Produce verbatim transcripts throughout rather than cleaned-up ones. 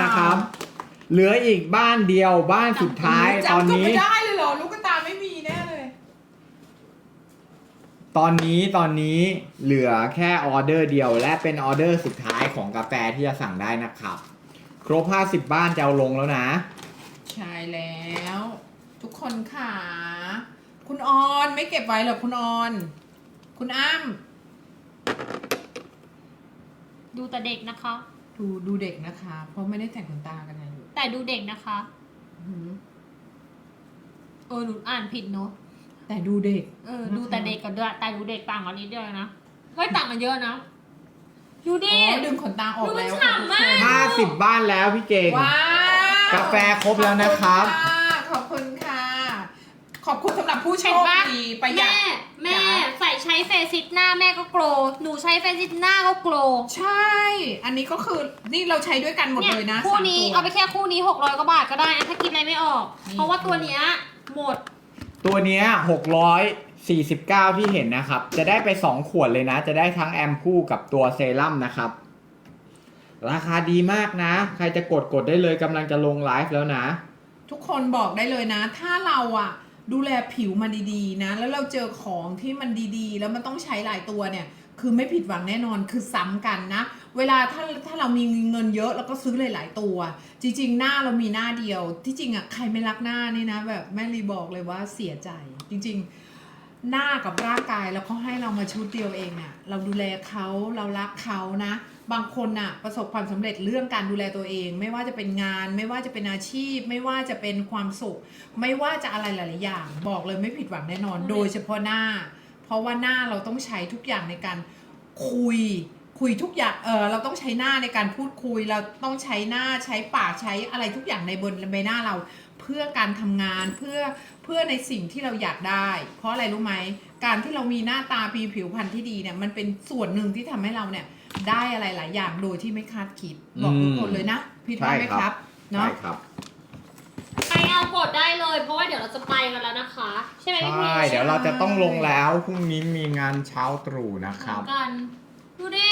นะครับ เหลืออีกบ้านเดียวบ้านสุดท้ายตอนนี้จำไม่ได้เลยเหรอลูกตาไม่มีแน่เลยตอนนี้ตอนนี้เหลือแค่ออเดอร์เดียวและเป็นออเดอร์สุดท้ายของกาแฟที่จะสั่งได้นะครับครบห้าสิบบ้านจะเอาลงแล้วนะใช่แล้ว ทุกคนค่ะคุณออนไม่เก็บไว้เหรอคุณออน คุณอ้ำดูแต่เด็กนะคะดูดูเด็กนะคะ เพราะไม่ได้แต่งขนตากันไงลูกแต่ดูเด็กนะคะอื้อหือเออหนูอ่านผิดเนอะแต่ดูเด็กเออดูแต่เด็กกับด้วยแต่ดูเด็กต่างกันนิดเดียวนะไม่ต่างกันเยอะนะดูดิอ๋อดึงขนตาออกแล้วดูมันฉ่ำมากห้าสิบบ้านแล้วพี่เก่งว้าวกาแฟครบแล้วนะครับขอบคุณค่ะ ขอบคุณสำหรับผู้โชเห็นคปะดีประหยัดแม่แม่จ้ะใส่ใช้เฟซซิตหน้าแม่ก็โกลว์หนูใช้เฟซซิตหน้าก็โกลว์ใช่ อันนี้ก็คือนี่เราใช้ด้วยกันหมดเลยนะคู่สามนี้ตัวเอาไปแค่คู่นี้หกร้อยกว่าบาทก็ได้นะถ้าคิดอะไรไม่ออกนี่เพราะว่าตัวเนี้ยหมดตัวเนี้ยหกร้อยสี่สิบเก้าที่เห็นนะครับ จะได้ไปสองขวดเลยนะ จะได้ทั้งแอมพูกับตัวเซรั่มนะครับ ราคาดีมากนะ ใครจะกดกดได้เลยกำลังจะลงไลฟ์แล้วนะทุกคนบอกได้เลยนะ ถ้าเราอะดูแลผิวมาดีๆนะ แล้วเราเจอของที่มันดีๆ แล้วมันต้องใช้หลายตัวเนี่ย คือไม่ผิดหวังแน่นอนคือซ้ำกันนะ เวลาถ้าถ้าเรามีเงินเยอะเราก็ซื้อหลายๆตัว จริงๆ หน้าเรามีหน้าเดียว ที่จริงอะใครไม่รักหน้านี่นะ แบบแม่ลีบอกเลยว่าเสียใจ จริงๆ หน้ากับร่างกายแล้วเขาให้เรามาชุดเดียวเองอะเราดูแลเขาเรารักเขานะ บางคนน่ะประสบความสำเร็จเรื่องการดูแลตัวเอง ไม่ว่าจะเป็นงาน ไม่ว่าจะเป็นอาชีพ ไม่ว่าจะเป็นความสุข ไม่ว่าจะอะไรหลายๆอย่าง บอกเลยไม่ผิดหวังแน่นอน โดยเฉพาะหน้า เพราะว่าหน้าเราต้องใช้ทุกอย่างในการคุย คุยทุกอย่างเออเราต้องใช้หน้าในการพูดคุย เราต้องใช้หน้าใช้ปากใช้อะไรทุกอย่างในบนใบหน้าเรา เพื่อการทำงานเพื่อเพื่อในสิ่งที่เราอยากได้ เพราะอะไรรู้ไหมการที่เรามีหน้าตาปีผิวพรรณที่ดีเนี่ยมันเป็นส่วนหนึ่งที่ทำให้เราเนี่ยได้อะไรหลายอย่างโดยที่ไม่คาดคิดบอกทุกคนเลยนะพี่ว่าไหมครับเนาะใช่ครับใครเอากดได้เลยเพราะว่าเดี๋ยวเราจะไปกันแล้วนะคะ ใช่ไหมพี่พีใช่เดี๋ยวเราจะต้องลงแล้วพรุ่งนี้มีงานเช้าตรู่นะครับกันดูดิ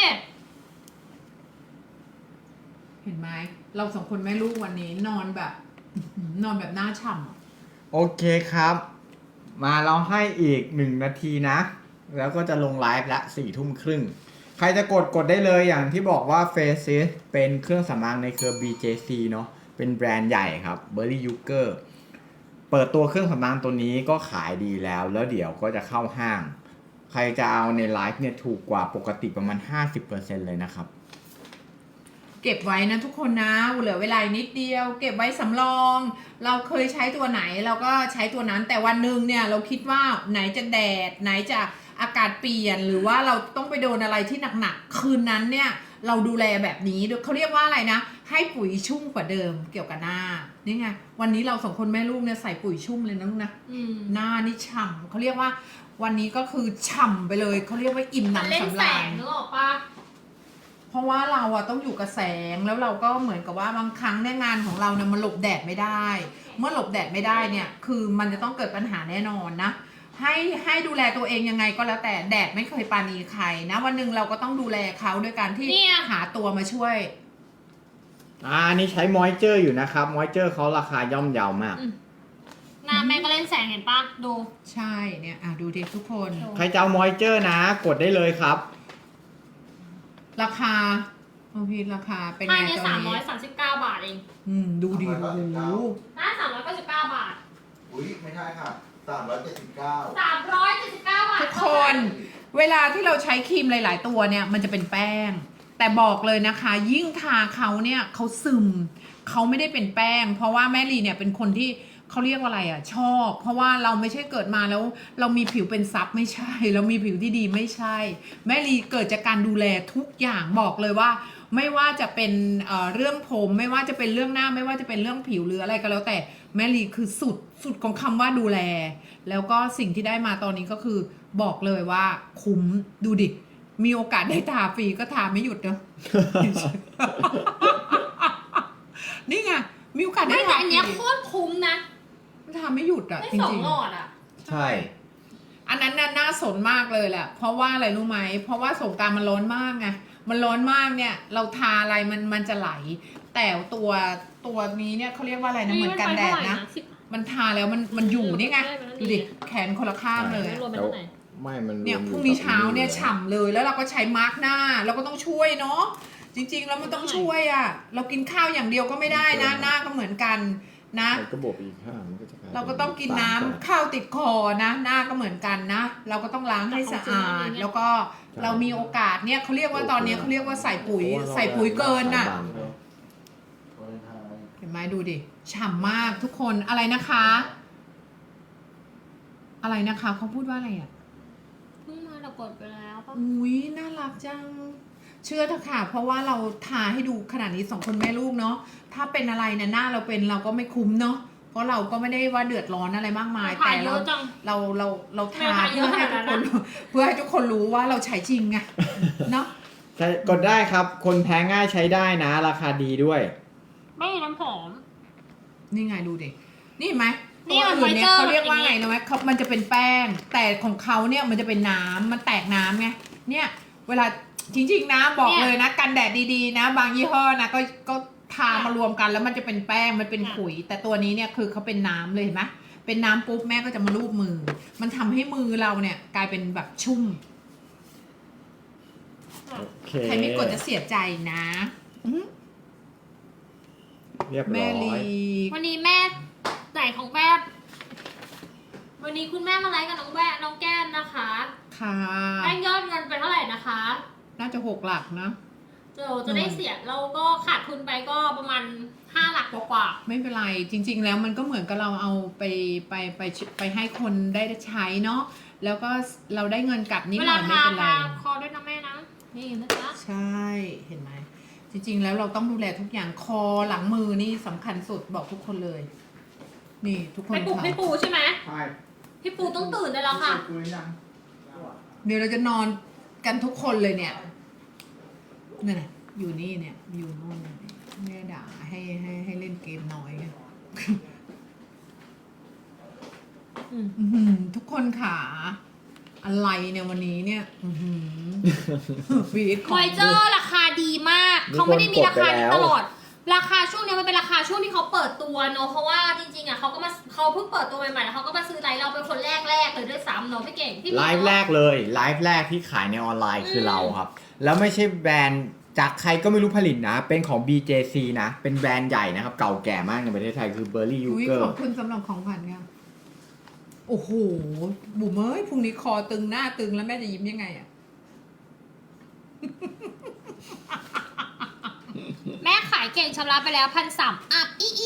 เห็นไหมเราสองคนแม่ลูกวันนี้นอนแบบ นอนแบบหน้าฉ่ำอะโอเคครับ มาเราให้อีกหนึ่งนาทีนะ แล้วก็จะลงไลฟ์ละสี่ทุ่มครึ่ง ใครจะกดกดได้เลยอย่างที่บอกว่า Faces เป็นเครื่องสำอางในเครือ บี เจ ซี เนาะเป็นแบรนด์ใหญ่ครับ Berry Yuger เปิดตัวเครื่องสำอางตัวนี้ก็ขายดีแล้ว แล้วเดี๋ยวก็จะเข้าห้าง ใครจะเอาในไลฟ์เนี่ยถูกกว่าปกติประมาณ ห้าสิบเปอร์เซ็นต์ เลยนะครับเก็บไว้นะทุกคนนะเหลือเวลานิดเดียว เก็บไว้สำรอง เราเคยใช้ตัวไหนเราก็ใช้ตัวนั้นแต่วันหนึ่งเนี่ยเราคิดว่าไหนจะแดด ไหนจะอากาศเปลี่ยนหรือว่าเราต้องไปโดนอะไรที่หนักๆคืนนั้นเนี่ยเราดูแลแบบนี้เขาเรียกว่าอะไรนะให้ปุ๋ยชุ่มกว่าเดิมเกี่ยวกับหน้านี่ไงวันนี้เราสองคนแม่ลูกเนี่ยใส่ปุ๋ยชุ่มเลยนะลูกนะอืมหน้านี่ฉ่ำเขาเรียกว่าวันนี้ก็คือฉ่ำไปเลยเขาเรียกว่าอิ่มมันหเล่นนำสำแสราญงนึกออกปะเพราะว่าเราอะต้องอยู่กับแสงแล้วเราก็เหมือนกับว่าบางครั้งเนี่ยงานของเราเนี่ยมันหลบแดดไม่ได้ เมื่อหลบแดดไม่ได้เนี่ยคือมันจะต้องเกิดปัญหาแน่นอนนะให้ให้ดูแลตัวเองยังไงก็แล้วแต่แดดไม่เคยปราณีใครนะวันหนึ่งเราก็ต้องดูแลเขาด้วยการที่หาตัวมาช่วยอ่านี่ใช้มอยเจอร์อยู่นะครับมอยเจอร์เขาราคาย่อมเยาวมากอืมหน้าแม่ก็เล่นแสงเห็นปะดูใช่เนี่ยอ่ะดูดิทุกคนใครจะเอามอยเจอร์นะ กดได้เลยครับราคาโอ้พี่ราคาเป็นให้ไงเนี่ยตอสาน มร้อนี้ยสามสิบเก้าบาทเองอืมดูดิโอ้โหหน้าสามร้อยเก้าสิบเก้าบาทอุ้ยไม่ใช่ค่ะสามร้อยเจ็ดสิบเก้าสามร้อยเจ็ดสิบเก้าบาททุกคน เวลาที่เราใช้ครีมหลาย ๆ ตัวเนี่ยมันจะเป็นแป้ง แต่บอกเลยนะคะ ยิ่งทาเขาเนี่ยเขาซึมเขาไม่ได้เป็นแป้ง เพราะว่าแม่ลีเนี่ยเป็นคนที่เขาเรียกว่าอะไรอ่ะชอบ เพราะว่าเราไม่ใช่เกิดมาแล้ว เรามีผิวเป็นซับไม่ใช่ เรามีผิวที่ดีไม่ใช่ แม่ลีเกิดจากการดูแลทุกอย่างบอกเลยว่า ไม่ว่าจะเป็นเอ่อเรื่องผมไม่ว่าจะเป็นเรื่องหน้าไม่ว่าจะเป็นเรื่องผิวหรืออะไรก็แล้วแต่แม่ลีคือสุดสุดของคำว่าดูแล แล้วก็สิ่งที่ได้มาตอนนี้ก็คือบอกเลยว่าคุ้มดูดิ มีโอกาสได้ทาฟรีก็ทาไม่หยุดเนอะ นี่ไงมีโอกาสได้ไม่แต่ทาอันฟรีเนี้ยโคตรคุ้มนะทาไม่หยุดอ่ะได้จสองริงหลอดอ่ะใช่ๆอันนั้นน่ะน่าสนมากเลยแหละเพราะว่าอะไรรู้ไหมเพราะว่าสงกรานต์มันร้อนมากไงมันร้อนมากเนี่ย เราทาอะไรมันมันจะไหลแต่ตัวตัวนี้เนี่ยเขาเรียกว่าอะไรนะเหมือนกันแดดนะสิบมันทาแล้วมันมันอยู่นี่ไงได้ไหมดูดิแขนคนละข้างเลยรวมเป็นเท่าไหร่ไม่มันเนี่ยวมพอรุ่งกับนี้เช้าเนี่ยลฉ่ำเลยแล้วเราก็ใช้มาร์กหน้าเราก็ต้องช่วยเนาะจริง ๆ แล้วมันต้องช่วยอ่ะเรากินข้าวอย่างเดียวก็ไม่ได้นะหน้าก็เหมือนกันนะมันก็บวกไปอีกห้ามันก็จะลยเราก็ต้องกินน้ำสามแปดข้าวติดคอนะหน้าก็เหมือนกันนะ เราก็ต้องล้างให้สะอาด แล้วก็เรามีโอกาสเนี่ยเขาเรียกว่าตอนนี้เขาเรียกว่าใส่ปุ๋ยใส่ปุ๋ยเกินน่ะ เห็นไหมดูดิฉ่ำมากทุกคนอะไรนะคะ อะไรนะคะเขาพูดว่าอะไรอ่ะเพิ่งมาแต่กดไปแล้วป่ะอุ้ยน่ารักจัง เชื่อเถอะค่ะ เพราะว่าเราทาให้ดูขนาดนี้สองคนแม่ลูกเนาะถ้าเป็นอะไรเนี่ยหน้าเราเป็นเราก็ไม่คุ้มเนาะเพราะเราก็ไม่ได้ว่าเดือดร้อนอะไรมากมายถ่าแต่ยเยเราอะจังเราเราเราทาไม่ถ่ายเยเพื่ออะให้ขทุนาก ดคนั้นนนะเพื่อให้ทุกคนรู้ว่าเราใช้จริงไงเนาะใช้กดได้ครับ คนแพ้ง่ายใช้ได้นะ ราคาดีด้วยไม่มีน้ำหอมนี่ไงดูดินี่เห็นไหมนี่ตัวมันอื่นเนี่ยไฟเจอร์เขาเรียกว่าอย่างนี้ไงนะไหมเขามันจะเป็นแป้ง แต่ของเขาเนี่ยมันจะเป็นน้ำมันแตกน้ำไงเนี่ยเวลาจริงๆนะบอกเลยนะกันแดดดีๆนะ บางยี่ห้อนะก็ก็ทามารวมกันแล้วมันจะเป็นแป้งมันเป็นขุย แต่ตัวนี้เนี่ยคือเขาเป็นน้ำเลยเห็นไหมเป็นน้ำปุ๊บแม่ก็จะมาลูบมือ มันทำให้มือเราเนี่ยกลายเป็นแบบชุ่มโอเคใครไม่กดจะเสียใจนะอื้อเรียบแม่ร้อยลีวันนี้แม่ไหนของแม่วันนี้คุณแม่มาไลฟ์กับน้องแม่น้องแก้มนะคะค่ะได้ยอดเงินไปเท่าไหร่นะคะน่าจะหกหลักนะเดี๋ยวจะได้เสียเราก็ขาดทุนไปก็ประมาณห้าหลักกว่าไม่เป็นไรจริง ๆ แล้วมันก็เหมือนกับเราเอาไปไปไปไปให้คนได้ใช้เนาะแล้วก็เราได้เงินกลับๆนิดเวหน่ลาอยไม่ทาเป็นไรทาคอด้วยนะแม่นะนี่นะจ๊ะใช่เห็นไหมจริง ๆ แล้วเราต้องดูแลทุกอย่างคอหลังมือนี่สำคัญสุดบอกทุกคนเลย นี่ทุกคนให้ปูค่ะให้ปูใช่ไหมใช่พี่ปูต้องตื่นได้แล้วค่ะเดี๋ยวเราจะนอนกันทุกคนเลยเนี่ยนี่นน่ะอยู่นี่เนี่ยอยู่โน่นแม่ด่าให้ให้ให้เล่นเกมน้อยไงอืมอื้อหือทุกคนค่ะอะไรเนี่ยวันนี้เนี่ยอื้อหือฟีดขมองอยเจอร์ราคาดีมาก เขาไม่ได้มีราคานี้ตลอด ราคาช่วงนี้มันเป็นราคาช่วงที่เขาเปิดตัวเนอะเพราะว่าจริงๆอ่ะเขาก็มาเขาเพิ่งเปิดตัวใหม่ๆแล้วเขาก็มาซื้อไลฟ์เราเป็นคนแรกๆเลยด้วยซ้ำเนอะพี่เก่งพี่ไลฟ์แรกเลยไลฟ์แรกที่ขายในออนไลน์คือเราครับ แล้วไม่ใช่แบรนด์จากใครก็ไม่รู้ผลิตนะ เป็นของ บี เจ ซี นะ เป็นแบรนด์ใหญ่นะครับ เก่าแก่มากในประเทศไทยคือ Berry อุ้ย Yuger ขอบคุณสำหรับของขวัญค่ะโอ้โหบุ๋มเอ้ยพรุ่งนี้คอตึงหน้าตึงแล้วแม่จะยิ้มยังไงอะแม่ขายเก่งชำระไปแล้วพันสามอัพอีอี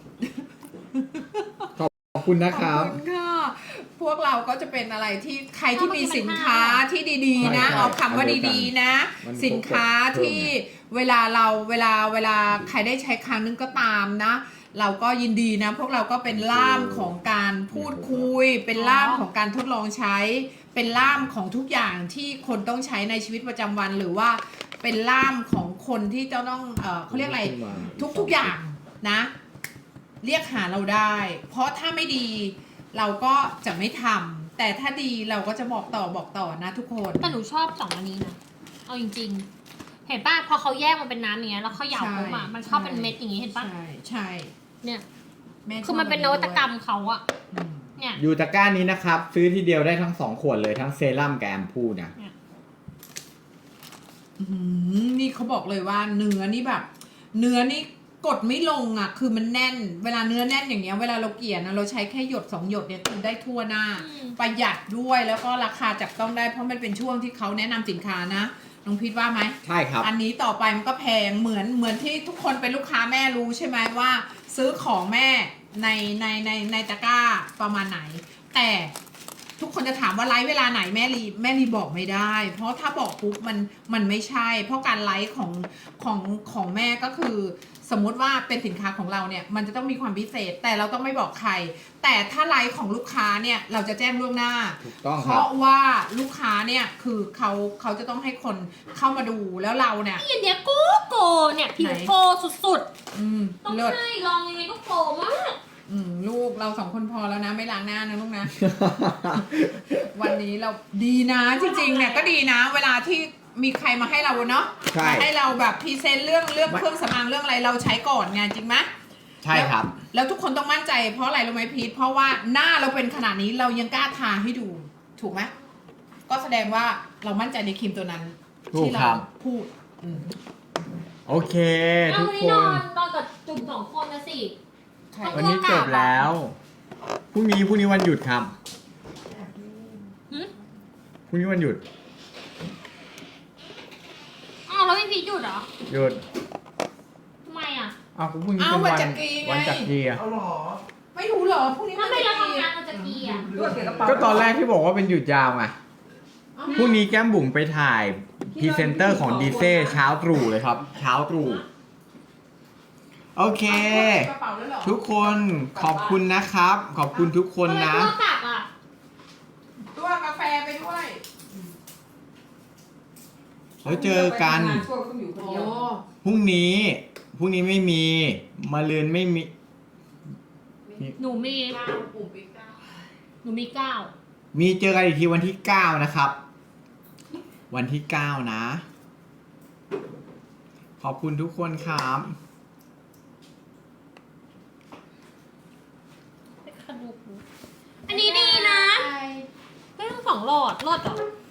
ขอบคุณนะครับขอบคุณค่ะ พวกเราก็จะเป็นอะไรที่ใครที่มีสินค้าที่ดีๆ นะใช่เอาคำว่าอันเดียวกันดีๆ นะมันครบสินค้าที่เวลาเราเวลาเวลาใครได้ใช้ครั้งนึงก็ตามนะ เราก็ยินดีนะ พวกเราก็เป็นล่ามของการพูดคุย เป็นล่ามของการทดลองใช้ เป็นล่ามของทุกอย่างที่คนต้องใช้ในชีวิตประจำวัน หรือว่าเป็นล่ามของคนที่จะต้องเออเขาเรียกอะไร ทุกๆอย่างนะ เรียกหาเราได้ เพราะถ้าไม่ดีเราก็จะไม่ทำแต่ถ้าดีเราก็จะบอกต่อบอกต่อนะทุกคนแต่หนูชอบสองอันนี้นะ เอาจริงๆ เห็นป่ะพอเขาแยกมันเป็นน้ำอย่างเงี้ยแล้วเขาหยาบปุ๊บอะมันเข้าเป็นเม็ดอย่างงี้เห็นป่ะใช่ใช่เนี่ยแม่ชบคือมันเป็นนวัตกรรมเขาอะอืมเนี่ยอยู่ตะกร้านี้นะครับ ซื้อทีเดียวได้ทั้งสองขวดเลยทั้งเซรั่มกับแอมพูนะอื้อหือนี่เขาบอกเลยว่าเนื้อนี่แบบ เนื้อนี่กดไม่ลงอ่ะ คือมันแน่น เวลาเนื้อแน่นอย่างเงี้ยเวลาเราเกลี่ยนะเราใช้แค่หยดสองหยดเนี่ยคือได้ทั่วหน้าอืมประหยัดด้วยแล้วก็ราคาจับต้องได้เพราะมันเป็นช่วงที่เขาแนะนำสินค้านะน้องพีทว่าไหมใช่ครับอันนี้ต่อไปมันก็แพงเหมือนเหมือนที่ทุกคนเป็นลูกค้าแม่รู้ใช่ไหมว่า ซื้อของแม่ในในในในตะกร้าประมาณไหน แต่ทุกคนจะถามว่าไลฟ์เวลาไหนแม่รีแม่รีบอกไม่ได้ เพราะถ้าบอกปุ๊บมันมันไม่ใช่ เพราะการไลฟ์ของของของแม่ก็คือ สมมุติว่าเป็นสินค้าของเราเนี่ยมันจะต้องมีความพิเศษ แต่เราต้องไม่บอกใคร แต่ถ้าไลฟ์ของลูกค้าเนี่ยเราจะแจ้งล่วงหน้าถูกต้องเพครับราะว่าลูกค้าเนี่ยคือเขาเขาจะต้องให้คนเข้ามาดูแล้วเราเนี่ยนี่อันเนี้ยโกโกเนี่ยผิวไหนโกสุดอืมๆ ต้องเลิศให้ลองยังไงก็โกมากอืมลูกเราสองคนพอแล้วนะไม่ล้างหน้านะลูกนะ วันนี้เราดีนะจริงๆเนี่ยก็ดีนะ เวลาที่มีใครมาให้เราเนาะใช่มาให้เราแบบพรีเซนต์เรื่องเรื่องไม่เครื่องสำอางเรื่องอะไรเราใช้ก่อนไงจริงไหมใช่ครับแล้วทุกคนต้องมั่นใจเพราะอะไรรู้ไหมพีทเพราะว่าหน้าเราเป็นขนาดนี้เรายังกล้าทาให้ดูถูกไหมก็แสดงว่าเรามั่นใจในครีมตัวนั้นถูกที่ครัเราบพูดอืมโอเคเอาทุกวันคนี้นอนนนอนกับจุ่มสองคนนะสิใช่วันนี้จบแล้วพรุ่งนี้พรุ่งนี้วันหยุดครับหึพรุ่งนี้วันหยุดอ้าวแล้วไม่พีชหยุดเหรอหยุดทำไมอ่ะอ้าวก็พรุ่งนี้อ้าวเป็นวันวันจักรีไงวันจักรีอะเอาเหรอไม่รู้เหรอพรุ่งนี้ถ้าไม่จะเรากี่ทำงานเราจะกี่อ่ะก็ตอนแรกที่บอกว่าเป็นหยุดยาวไงอ้าวพรุ่งนี้แก้มบุ๋มไปถ่ายพรีเซนเตอร์ของดีเซ่เช้าตรู่เลยครับ เช้าตรู่โอเคกระเป๋าแล้วเหรอทุกคนขอบคุณนะครับ ขอบคุณทุกคนทำไมนะตัวกลับอ่ะตัวกาแฟไปด้วยแล้วเจอกันช่วงต้องอยู่คนโอ้เดียวพรุ่งนี้พรุ่งนี้ไม่มีมะรืนไม่มีหนูมีเก้าปุ่มอีกเก้าหนูมีเก้ามีเจอกันอีกทีวันที่เก้านะครับ วันที่เก้านะ ขอบคุณทุกคนครับอันนี้ดีนะได้ทั้งสองหลอดหลอดเหรอ